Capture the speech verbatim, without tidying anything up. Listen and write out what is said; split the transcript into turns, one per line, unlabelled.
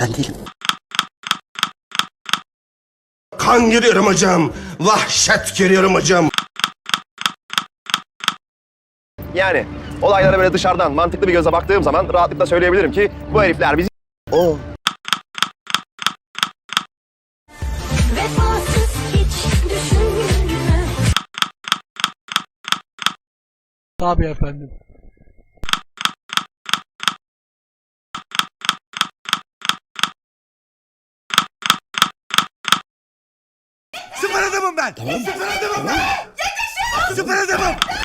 Ben değilim.
Kan görüyorum hocam. Vahşet görüyorum hocam.
Yani olaylara böyle dışarıdan mantıklı bir göze baktığım zaman rahatlıkla söyleyebilirim ki bu herifler bizi...
O.
Vefasız hiç düşünme.
Tabii efendim.
Süper adamım ben. Süper adamım ben. Süper adamım.